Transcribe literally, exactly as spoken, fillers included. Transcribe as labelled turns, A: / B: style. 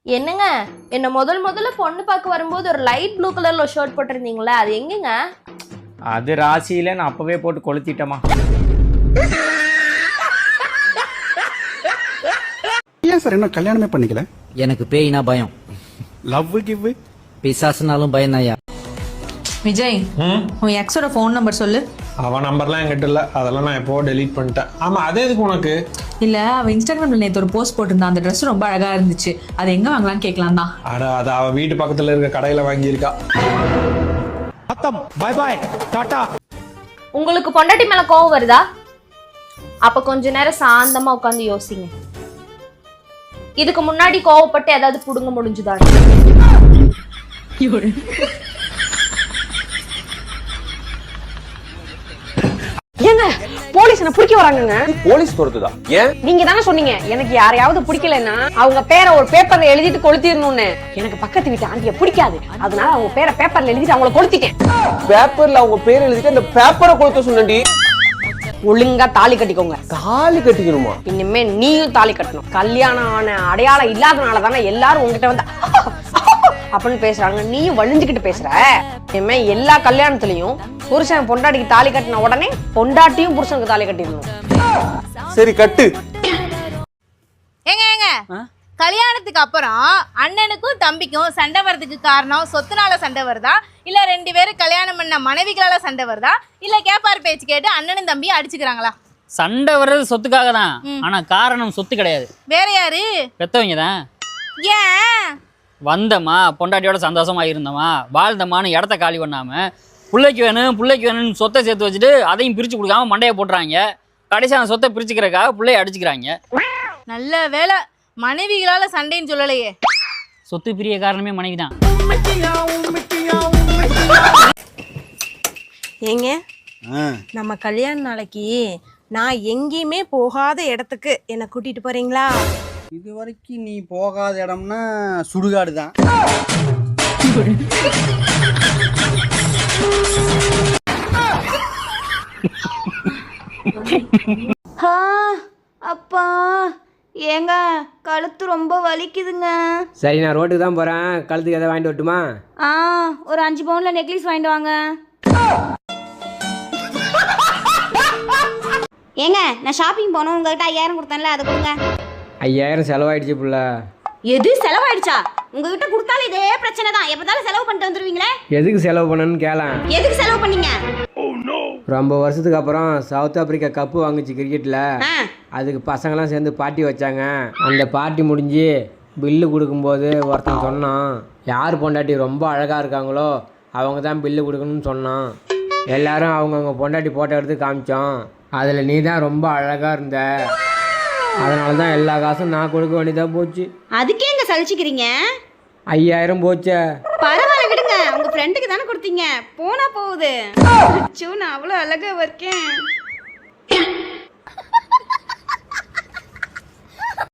A: என்னங்க என்ன முதல் முதல்ல பொண்ணு பார்க்க வரும்போது ஒரு லைட் ப்ளூ கலர்ல ஒரு ஷர்ட் போட்டிருந்தீங்களா, அது எங்கங்க?
B: அது ராசியில நான் அப்பவே போட்டு கொளுத்திட்டமா.
C: ஏன் சார் என்ன கல்யாணமே பண்ணிக்கல?
D: எனக்கு பேய்னா பயம்.
C: லவ் கிவ்
D: பிசாசுனாலும் பயம் தான்யா.
E: விஜய், உன் எக்ஸோட ஃபோன் நம்பர் சொல்லு.
F: அவன் நம்பர்லாம் என்கிட்ட இல்லை, அதெல்லாம் நான் எப்போ டெலீட் பண்ணிட்டேன். ஆமாம், அதே எதுக்கு உனக்கு?
E: இல்லை, அவள் இன்ஸ்டாகிராமில் நேற்று ஒரு போஸ்ட் போட்டிருந்தா, அந்த ட்ரெஸ் ரொம்ப அழகாக இருந்துச்சு, அதை எங்கே வாங்கலான்னு கேட்கலாம் தான்.
F: அட அது அவள் வீட்டு பக்கத்தில் இருக்க கடையில் வாங்கியிருக்கா.
B: By by Tata.
A: உங்களுக்கு பொண்டாட்டி மேல கோவம் வருதா? அப்ப கொஞ்ச நேரம் சாந்தமா உட்காந்து யோசிங்க. இதுக்கு முன்னாடி கோவப்பட்டு ஏதாவது புடுங்க முடிஞ்சுதா?
G: ஏங்க போலீஸ் என்ன பிடிக்க வராங்கங்க.
H: போலீஸ் பொறுத்துதா? ஏன்?
G: நீங்க தானே சொன்னீங்க எனக்கு யாரையாவது பிடிக்கலன்னா அவங்க பேரை ஒரு பேப்பர்ல எழுதிட்டு கொளுத்திடணும்னு. எனக்கு பக்கத்து வீட்டு ஆண்டிய பிடிக்காது, அதனால அவங்க பேரை பேப்பர்ல எழுதிட்டு அவங்கள கொளுத்திட்டேன்.
H: பேப்பர்ல அவங்க பேர் எழுதிட்டு அந்த பேப்பரை கொளுத்த சொன்னடி.
G: ஒழுங்கா தாலி கட்டிக்கோங்க.
H: தாலி கட்டிக்கணுமா?
G: இனிமே நீயும் தாலி கட்டணும். கல்யாணம் ஆன அடையாளம் இல்லாதனால தானே எல்லாரும் உங்ககிட்ட வந்து அப்படின்னு பேசுறாங்க, நீயும் வலிஞ்சுக்கிட்டு பேசுற. இனிமே எல்லா கல்யாணத்துலயும் புருஷன் பொண்டாட்டிக்கு தாலி கட்டின உடனே பொண்டாட்டியும் புருஷனுக்கு தாலி கட்டிடணும்.
H: சரி கட்டு.
I: ஏங்க ஏங்க கல்யாணத்துக்கு அப்புறம் அண்ணனுக்கும் தம்பிக்கும் சண்டை வர்றதுக்கு காரணம் சொத்துனால சண்டை வருதா, இல்ல ரெண்டு பேரும் கல்யாணம் பண்ண மனைவிகளால சண்டை வருதா, இல்ல கேப்பார் பேச்சு கேட்டு அண்ணனும் தம்பியும் அடிச்சுக்கிறாங்களா?
J: சண்டை வர்றது சொத்துக்காக தான், ஆனா காரணம் சொத்து கிடையாது.
I: வேற யாரு?
J: பெத்தவங்க தான்.
I: ஏன்?
J: வந்தமா பொண்டாட்டியோட சந்தோஷமா இருந்தோமா, வாழ்ந்தமான்னு இடத்த காலி பண்ணாம பிள்ளைக்கு வேணும் பிள்ளைக்கு வேணும்னு சொத்தை சேர்த்து வச்சுட்டு அதையும் பிரிச்சு கொடுக்காம மண்டையை போட்டுறாங்க. கடைசி அந்த சொத்தை பிரிச்சுக்கிறக்காக பிள்ளைய அடிச்சுக்கிறாங்க.
I: நல்ல வேலை மனைவிகளால சண்டைன்னு சொல்லலையே.
J: சொத்து பிரிய காரணமே மனைவி தான்.
K: ஏங்க நம்ம கல்யாண நாளைக்கு நான் எங்கேயுமே போகாத இடத்துக்கு என்ன கூட்டிட்டு போறீங்களா?
D: இது வரைக்கும் நீ போகாத இடம்னா சுடுகாடு தான்.
K: அப்பா ஏங்க கழுத்து ரொம்ப வலிக்குதுங்க.
L: சரி, நான் ரோட்டுக்கு தான் போறேன், கழுத்துக்கு எதாவது வாங்கிட்டு வரட்டுமா?
K: ஆ, ஒரு அஞ்சு பவுன்ல நெக்லஸ் வாங்கிட்டு வாங்க. ஏங்க நான் ஷாப்பிங் போனோம், உங்ககிட்ட ஐயாயிரம் கொடுத்தேன்ல, அதை கொடுங்க.
L: ஐயாயிரம் செலவாயிடுச்சு புள்ள.
K: எது செலவாயிடுச்சா? உங்ககிட்ட கொடுத்தாலும் இதே பிரச்சனை தான், எப்பதாலும் செலவு பண்ணிட்டு வந்துருவீங்களே.
L: எதுக்கு செலவு பண்ணணும்னு கேளேன்.
K: எதுக்கு செலவு பண்ணீங்க?
L: ரொம்ப வருஷத்துக்கு அப்புறம் சவுத் ஆப்பிரிக்கா கப்பு வாங்குச்சு கிரிக்கெட்ல, அதுக்கு பசங்களாம் சேர்ந்து பார்ட்டி வச்சாங்க. அந்த பார்ட்டி முடிஞ்சு பில்லு கொடுக்கும்போது ஒருத்தன் சொன்னான், யார் பொண்டாட்டி ரொம்ப அழகா இருக்காங்களோ அவங்க தான் பில்லு கொடுக்கணும்னு சொன்னான். எல்லாரும் அவங்கவுங்க பொண்டாட்டி போட்டோ எடுத்து காமிச்சோம். அதில் நீ தான் ரொம்ப அழகா இருந்த, அதனால தான் எல்லா காசும் நான் கொடுக்க வேண்டியதா போச்சு.
K: அதுக்கே எங்க சலிச்சுக்கிறீங்க?
L: ஐயாயிரம் போச்சே.
K: பரவாயில்ல விடுங்க, உங்க ஃப்ரெண்டுக்கு தானே கொடுத்தீங்க, போனா போகுது. நான் அவ்வளோ அழகா இருக்கேன்.